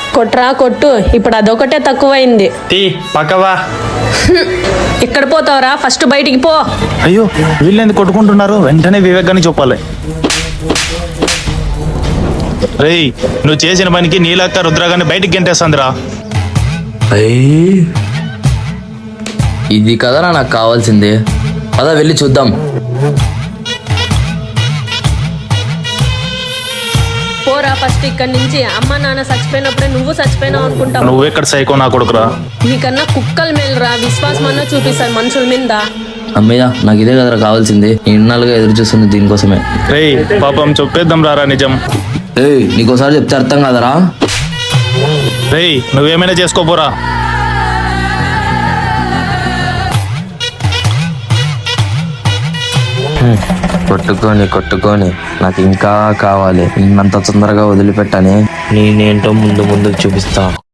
కొట్రా కొట్టు, ఇప్పుడు అదొకటే తక్కువైంది. తీ పక్కవా. ఇక్కడ పోతావరా, ఫస్ట్ బయటికి పో. అయ్యో వీళ్ళు ఎందుకు కొట్టుకుంటున్నారు? వెంటనే వివేక్ గారిని చెప్పాలి. రేయ్, నువ్వు చేసిన పనికి నీలక్క రుద్రగాన్ని బయటికి గెంటేస్తుందిరా. ఇది కదరా నాకు కావాల్సింది. అదా వెళ్ళి చూద్దాం. పోరా ఫస్ట్ ఇక్కడి నుంచి. అమ్మ నాన్న చచ్చిపోయినప్పుడే నువ్వు చచ్చిపోయినావు అనుకుంటావు. నువ్వు ఎక్కడ సైకో నా కొడుకురా. నీకన్నా కుక్కలు మేలురా, విశ్వాసం అన్నా చూపిస్తారు మనుషుల మీద. అమ్మయ్య, నాకు ఇదే కదరా కావాల్సింది. ఇన్నాళ్ళుగా ఎదురు చూస్తుంది దీనికోసమే. రేయ్ పాపం చెప్పేద్దాం రారా నిజం. నీకోసారి చెప్తే అర్థం కాదరా. రేయ్ నువ్వేమైనా చేసుకోపోరా. కొట్టుకొని నాకు ఇంకా కావాలి. నిన్నంత తొందరగా వదిలిపెట్టని నేనేంటో ముందు చూపిస్తా.